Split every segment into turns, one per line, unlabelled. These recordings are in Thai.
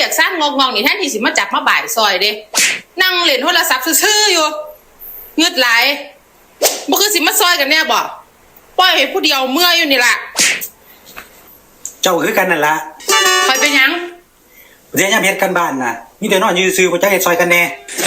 รียกซ่านงงนี่แทนที่สิมาจับมาบ่ายซอยเด้นั่งเล่นโทรศัพท์ซื่อๆอยู่เงืดไหลบ่คือสิมาซอยกันแน่บ่ปล่อยให้ผู้เดียวเมื่อยอยู่นี่ล่ะ
เจ้าคือกันนั่นละ
คอยเป็นยัง
เดี๋ยวยามเฮ็ดกันบ้านน่ะมีแต่นอนอยู่ซื่อบ่จักเฮ็ดซอยกันแน่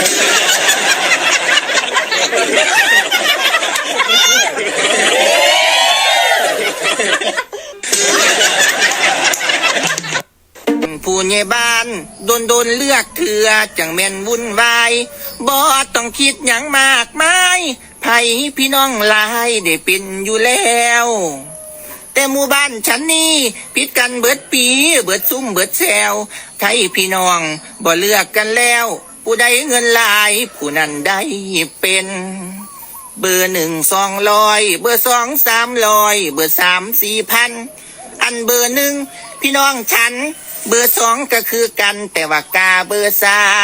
ผู้ใหญ่บ้านโดนเลือกเถื่อจังแม่นวุ่นวายบ่ต้องคิดหยังมากมายไผพี่น้องหลายได้เป็นอยู่แล้วแต่หมู่บ้านฉันนี่ผิดกันเบิดปีเบิดซุ่มเบิดแซวไทยพี่น้องบ่เลือกกันแล้วผู้ใดเงินหลายผู้นั้นได้เป็นเบอร์1 200เบอร์2 300เบอร์3 4,000อันเบอร์1พี่น้องฉันเบอร์2ก็คือกันแต่ว่ากาเบอร์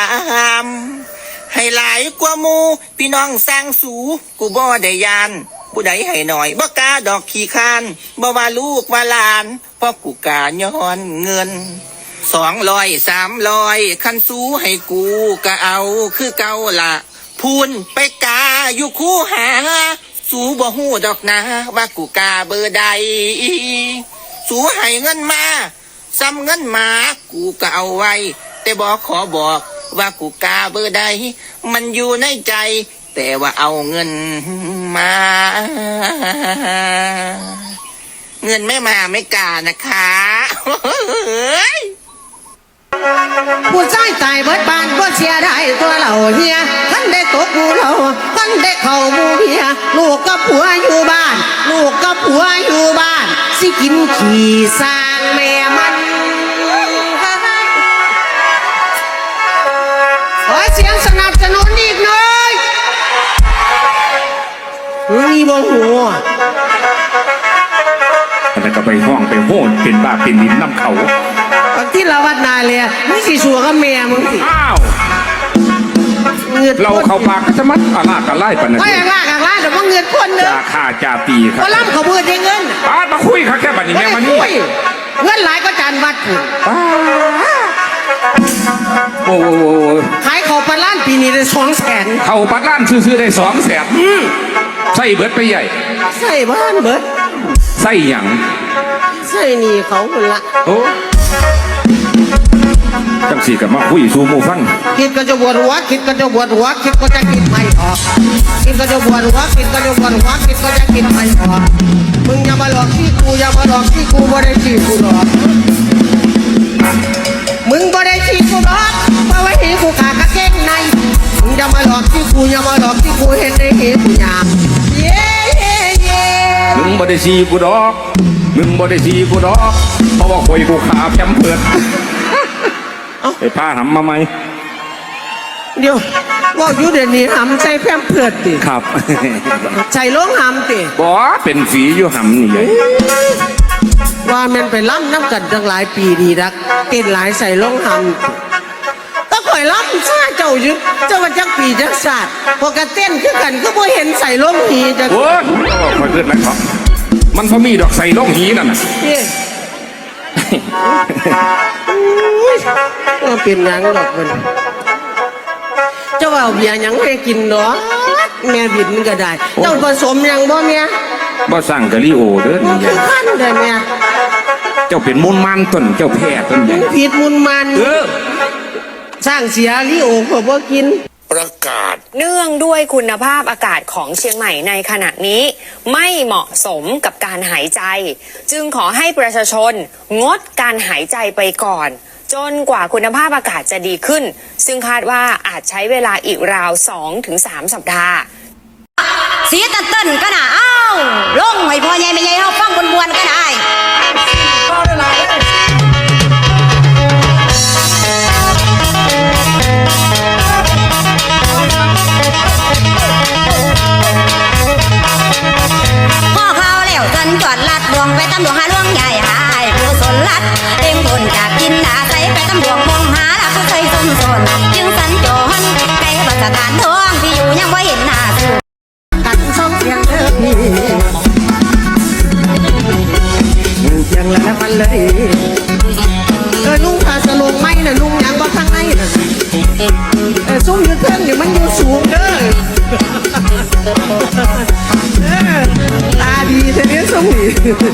3ให้หลายกว่าหมู่พี่น้องสร้างสูกูบ่ได้ยานผู้ใดให้หน่อยบ่กาดอกขี้คานบ่ว่าลูกว่าหลานเพราะกูกาย้อนเงิน200 300คันสูให้กูก็เอาคือเก่าละพูนไปกาอยู่คู่หาสูบ่ฮู้ดอกนะว่ากูกาเบอร์ใดสูให้เงินมาซ้ำเงินมากูก็เอาไว้แต่บอกขอบอกว่ากูกาเบอร์ใดมันอยู่ในใจแต่ว่าเอาเงินมาเงินไม่มาไม่กานะคะ
ผู้ชายตายเบิดบ้านบ่เสียได้ตัวเราเฮียท่านได้ตกหูเราท่านได้เข้าบูเฮียลูกกับผัวอยู่บ้านลูกกับผัวอยู่บ้านสิกินขี้สร้างแม่มันขอเสียงสนับสนุนอีกหน่อยนี่บ่หัว
แต่ก็ไปห้องไปโหนเป็นบ้าเป็นดินน้ำเขา
ที่เราวัดนาเลยมึงสิสัวกับแม่มึงสิ
อ้าวเราเข้าปากก็จะมัดอาลากกันไล่ปนนั้น
ก็อย่างลากอย่างลากเดี๋ยวมึงเงินคนเด้อ
จ่าฆ่าจ่าตีครับ
ก็ล่ำเขาเบื่อได้เงิน
มาคุยค่ะแค่บัดนี้แม่มันนี่
เงินหลายก็จานวัดถูก
โอ้
ขายเขาปันล้านปีนี้ได้200,000
เขาปัดล้านซื้อได้200,000ใส่เบิดไปใหญ่
ใส่บ้านเบิด
ใส่หยัง
ใส่นี่เขาคนละ
โอ้จังสีกับมาคุยสู่หมู่ฟัง
คิดก็จะบวชหัวคิดก็จะบวชหัวคิดก็จะกินไม่ออกคิดก็จะบวชหัวคิดก็จะบวชหัวคิดก็จะกินไม่ออกมึงอย่ามาหลอกที่กูอย่ามาหลอกที่กูบ่ได้ที่กูหรอกมึงบ่ได้ที่กูหรอกเพราะว่าเห็นกูขากระเก้งในมึงอย่ามาหลอกที่กูอย่ามาหลอกที่กูเห็นได้เห็นกูหยาบเย้
มึงบ่ได้ซีกูดอกมึงบ่ได้ซีกูดอกเพราะว่าคอยกูขาแคมเพิดไอ้ผ้าหำมาไหม
เดี๋ยวว่าอยู่เดี๋ยวนี้หำใส่แพมเพิดติ
ครับ
ใส่ล้องหำติ
บ่เป็นฝีอยู่หำนี่ไง
ว่ามันไปล้ำน้ำกันตั้งหลายปีดีรักเต้นหลายใส่ล้องหำก็ข่อยล้ำซาเจ้าอยู่เจ้าว่าจักปีจักศาสตร์พอกระเต้นคือกันก็บ่เห็นใส่ล้องหีจัก
โอ้ยคอยเกิดนะครับมันพอมีดอกใส่ล้องหีนั่นน่ะ
ก็เป็นหยังดอกมันเจ้าเอาเบียร์หยังให้กินเนาะแม่บิดมันก็ได้เจ้าผสมยังบ่เนี่ย
บ่สั่งกะลิโอเด้อ
นี่ขั้นได้เนี่ย
เจ้าเป็นมุนมันต้นเจ้าแพ้ต้นใหญ่
ผิดมุนมันสร้างเสียลิโอก็บ่กิน
ประกาศ
เนื่องด้วยคุณภาพอากาศของเชียงใหม่ในขณะนี้ไม่เหมาะสมกับการหายใจ จึงขอให้ประชาชนงดการหายใจไปก่อนจนกว่าคุณภาพอากาศจะดีขึ้นซึ่งคาดว่าอาจใช้เวลาอีกราว 2-3 สัปดาห์
เสียตันเต้นก็น่ะอ้าวลงให้พ่อใหญ่แม่ใหญ่เฮาฟังบวนๆก็ได้พ่อเขาแล้วจนจอดลัดดวงไปตำดวงหาลวงใหญ่หายผู้สนลัดเต็มคนจากกินดาใสไปตำดวงมองหาลักผู้เคยสมสนจึงสัญจรไกลบัสถานทองที่อยู่ยังว่าเห็นหน้าสู่
กันส่งเสียงเด้อพี่เสียงแล้วมันเลยนุ่งผ้าสลงไหมน่ะนุ่งหยังบ่ข้างในน่ะซุ้มอยู่เทิงนี่มันอยู่สูงเด้อตาดีเท่านี้ซุ้มนี่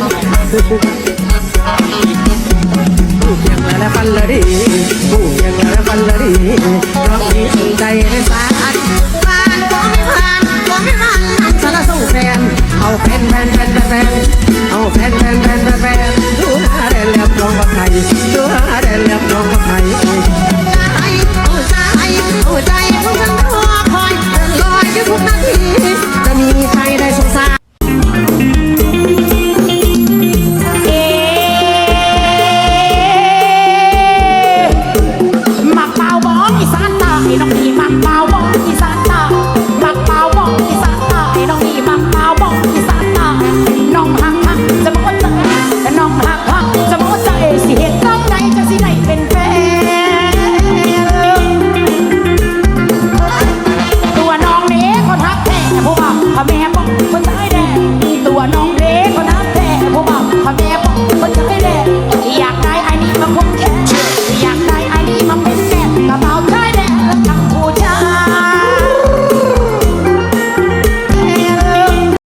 ผู้เพียงและฟันละดีผู้เพียงและฟันละดีเพราะมีสนใจในสารผ่านก็ไม่ผ่านก็ไม่ผ่านสารส่งแฟนเอาแฟนเอาแฟนดูหาได้แล้วน้องว่าใครดูหาได้แล้วน้องว่าใครเอาใจพวกฉันรอคอยเดินลอยอยู่ทุกนาทีจะมีใครได้สงสาร
มักเปล่าบองอีสานใต้น้องนี่มักเปล่าบองอีสานใต้มักเปล่าบองอีสานใต้น้องนี่มักเปล่าบองอีสานใต้น้องหักจะบอกใจแต่น้องหักจะบอกใจสิเหตุจังใดจะสิได้เป็นแฟนตัวน้องเด้คนหักแท้เพราะว่าพ่อแม่บอกคนตายแดงตัวน้องเด้